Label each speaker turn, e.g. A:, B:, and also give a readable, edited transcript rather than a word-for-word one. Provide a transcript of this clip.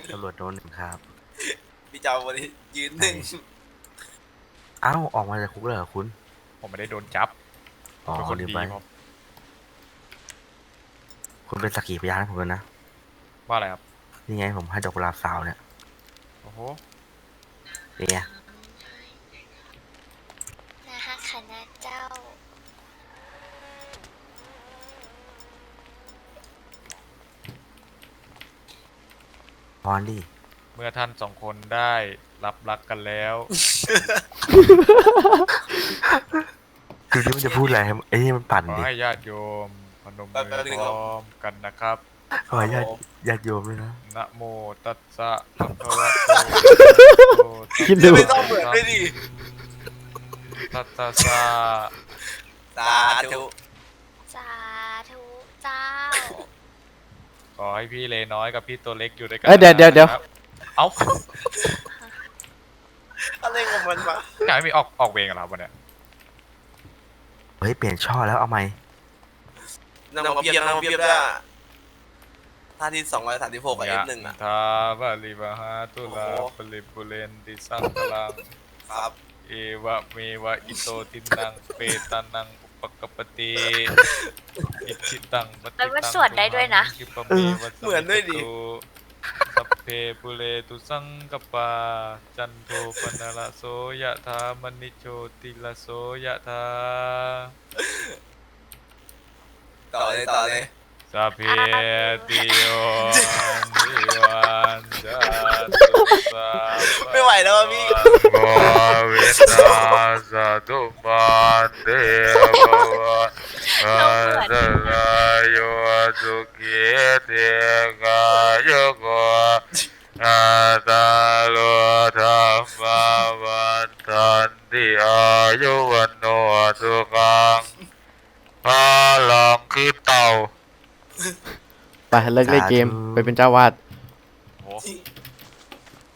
A: ตำรวจโดนหนึ่งครับ
B: พี่เจ้าวันนี้ยืนหนึ่ง
A: เอ้าออกมาจากคุกเลยเหรอคุณ
C: ผมไม่ได้โดนจับผ
A: อ๋อ
C: มเป็นคน
A: ลืม
C: ดี
A: ไป
C: ผม
A: คุณเป็นสักขีพยานให้ผมเลยนะ
C: ว่าอะไรครับ
A: นี่ไงผมให้ดอกกุหลาบสาวเนี่ย
C: โอ้โห
A: นี่ไง
D: นะฮะคณะเจ้า
A: พรดิ
C: เมื่อท่านสองคนได้รับรักกันแล้ว
A: คือนี่มันจะพูดอะไรให้ไอ้นี่มันปั่น
C: ขอ
A: ดิ
C: ให้ญาติโยมพนมมือพร้อมกันนะครับ
A: ขอญาติญาติโยมด้วยนะ
C: นะโมตัสสะภะคะวะโต
E: คิดดู
B: ไม่ต้องเหมือนด้วยดิ
C: ตัสสะสะ
B: สาธุ
D: สาธุเจ้า
C: ขอให้พี่เลน้อยกับพี่ตัวเล็กอยู่ด้วยกั
E: เอ้ยเดี๋ยว
C: นะครับเอ้า
B: อะไรของมันวะ
C: อยากให้มีออกเวรกันเหรอครับวันเนี้ย
A: เฮ้ยเปลี่ยนช่อแล้วเอาไหม
B: นำมาเพียบด้วยท่าที่236กับ F1 อ่ะ
C: ทาบาลิบาฮาตุลา
B: โอ้โห
C: ปลิปุเรนติสังกลัง
B: ครับ
C: เอวะเมวะอิโตทินังเปตานังอุปกปปติอิชิตังปฏิ
D: แล้วมัน
C: ตัง
D: สวดได้ด้วยนะ
C: คิปะเมวะสั
B: เหมือนด้วยดิ
C: สัพเพปุเรตุสังกปาจันโทปนละโสยะธามณิโชติละโสยะธา
B: ต่อเลย
C: สัพเพติโยนิวันจันตุสัพพะ
B: ไม่ไหวแล้วอะพี่
C: โกวินาสตุมาเตภวะอันตรายโยสุขีเตกายโกอาตาโลธรรมวันตันติอายุวันโนสุขังพาลังคือเต่า
E: ไปเลิกเล่นเกมไปเป็นเจ้าวาด